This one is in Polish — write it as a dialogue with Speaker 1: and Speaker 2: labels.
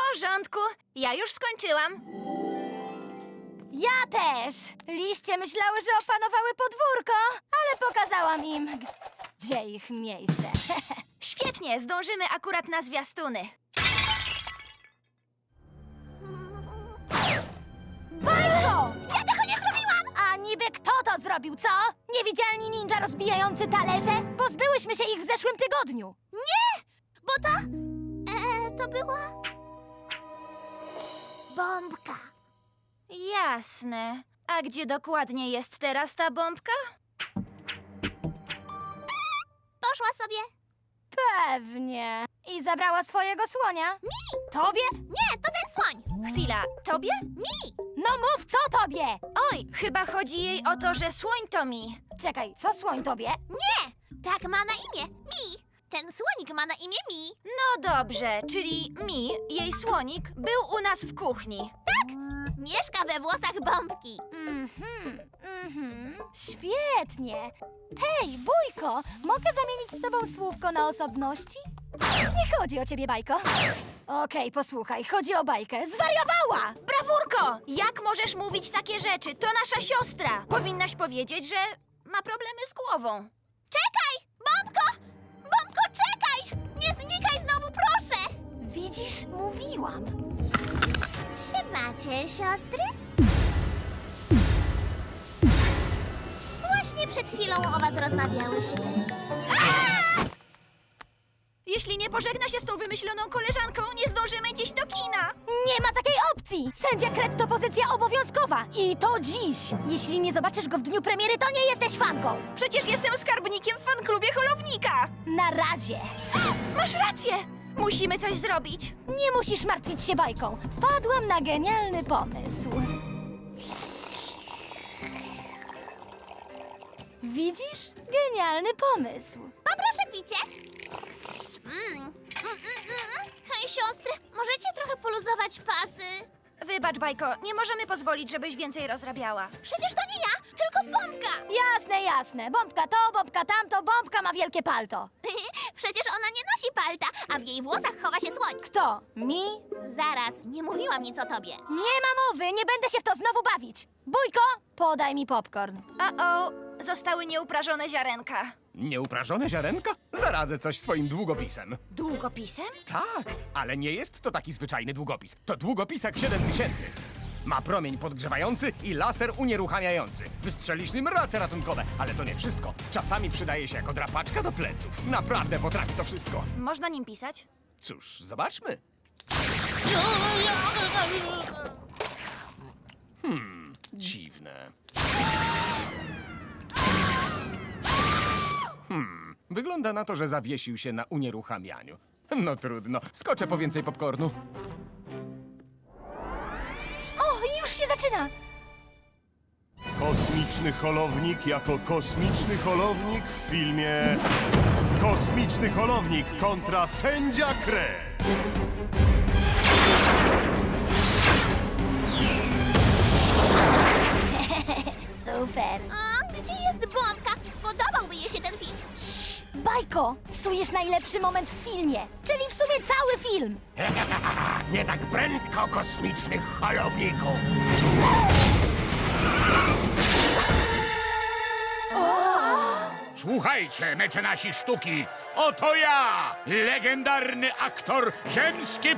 Speaker 1: porządku, ja już skończyłam.
Speaker 2: Ja też! Liście myślały, że opanowały podwórko, ale pokazałam im, gdzie ich miejsce.
Speaker 1: Świetnie, zdążymy akurat na zwiastuny.
Speaker 2: Bajko! Ja tego nie zrobiłam! A niby kto to zrobił, co? Niewidzialni ninja rozbijający talerze? Pozbyłyśmy się ich w zeszłym tygodniu.
Speaker 3: Nie! Bo to... to była... bombka.
Speaker 1: Jasne. A gdzie dokładnie jest teraz ta bombka?
Speaker 3: Poszła sobie.
Speaker 2: Pewnie. I zabrała swojego słonia.
Speaker 3: Mi!
Speaker 2: Tobie?
Speaker 3: Nie, to ten słoń.
Speaker 1: Chwila, tobie?
Speaker 3: Mi!
Speaker 2: No mów, co tobie?
Speaker 1: Oj, chyba chodzi jej o to, że słoń to mi.
Speaker 2: Czekaj, co słoń tobie?
Speaker 3: Nie! Tak ma na imię. Mi! Ten słonik ma na imię Mi.
Speaker 1: No dobrze, czyli mi, jej słonik, był u nas w kuchni.
Speaker 3: Mieszka we włosach bombki.
Speaker 2: Świetnie. Hej, Bójko, mogę zamienić z tobą słówko na osobności? Nie chodzi o ciebie, Bajko. Okej, posłuchaj, chodzi o Bajkę. Zwariowała!
Speaker 1: Brawurko! Jak możesz mówić takie rzeczy? To nasza siostra. Powinnaś powiedzieć, że ma problemy z głową.
Speaker 3: Czekaj! Bombko! Bombko, czekaj! Nie znikaj znowu, proszę!
Speaker 2: Widzisz, mówiłam.
Speaker 3: Siemacie, siostry? Właśnie przed chwilą o was rozmawiałyśmy.
Speaker 1: Jeśli nie pożegna się z tą wymyśloną koleżanką, nie zdążymy dziś do kina.
Speaker 2: Nie ma takiej opcji! Sędzia Kret to pozycja obowiązkowa. I to dziś. Jeśli nie zobaczysz go w dniu premiery, to nie jesteś fanką.
Speaker 1: Przecież jestem skarbnikiem w fanklubie Holownika.
Speaker 2: Na razie.
Speaker 1: Masz rację. Musimy coś zrobić.
Speaker 2: Nie musisz martwić się Bajką. Wpadłam na genialny pomysł. Widzisz? Genialny pomysł.
Speaker 3: Poproszę picie. Hej, siostry, możecie trochę poluzować pasy?
Speaker 1: Wybacz, Bajko, nie możemy pozwolić, żebyś więcej rozrabiała.
Speaker 3: Przecież to nie ja, tylko bombka.
Speaker 2: Jasne, jasne. Bombka to, bombka tamto, bombka ma wielkie palto.
Speaker 3: Przecież ona nie nosi palta, a w jej włosach chowa się słoń.
Speaker 2: Kto? Mi?
Speaker 3: Zaraz, nie mówiłam nic o tobie.
Speaker 2: Nie ma mowy, nie będę się w to znowu bawić. Bójko, podaj mi popcorn.
Speaker 1: O, zostały nieuprażone ziarenka.
Speaker 4: Nieuprażone ziarenka? Zaradzę coś swoim długopisem.
Speaker 1: Długopisem?
Speaker 4: Tak, ale nie jest to taki zwyczajny długopis. To długopisak 7000. Ma promień podgrzewający i laser unieruchamiający. Wystrzelisz nim race ratunkowe, ale to nie wszystko. Czasami przydaje się jako drapaczka do pleców. Naprawdę potrafi to wszystko.
Speaker 1: Można nim pisać?
Speaker 4: Cóż, zobaczmy. Dziwne. Wygląda na to, że zawiesił się na unieruchamianiu. No trudno, skoczę po więcej popcornu.
Speaker 2: O, już się zaczyna.
Speaker 5: Kosmiczny holownik jako kosmiczny holownik w filmie Kosmiczny holownik kontra sędzia Kret.
Speaker 2: Super.
Speaker 3: A gdzie jest bombka? Spodobałby jej się ten film.
Speaker 2: Bajko, psujesz najlepszy moment w filmie, czyli w sumie cały film.
Speaker 4: Nie tak prędko, kosmicznych holowniku! Słuchajcie, mecenasi sztuki! Oto ja, legendarny aktor, ziemski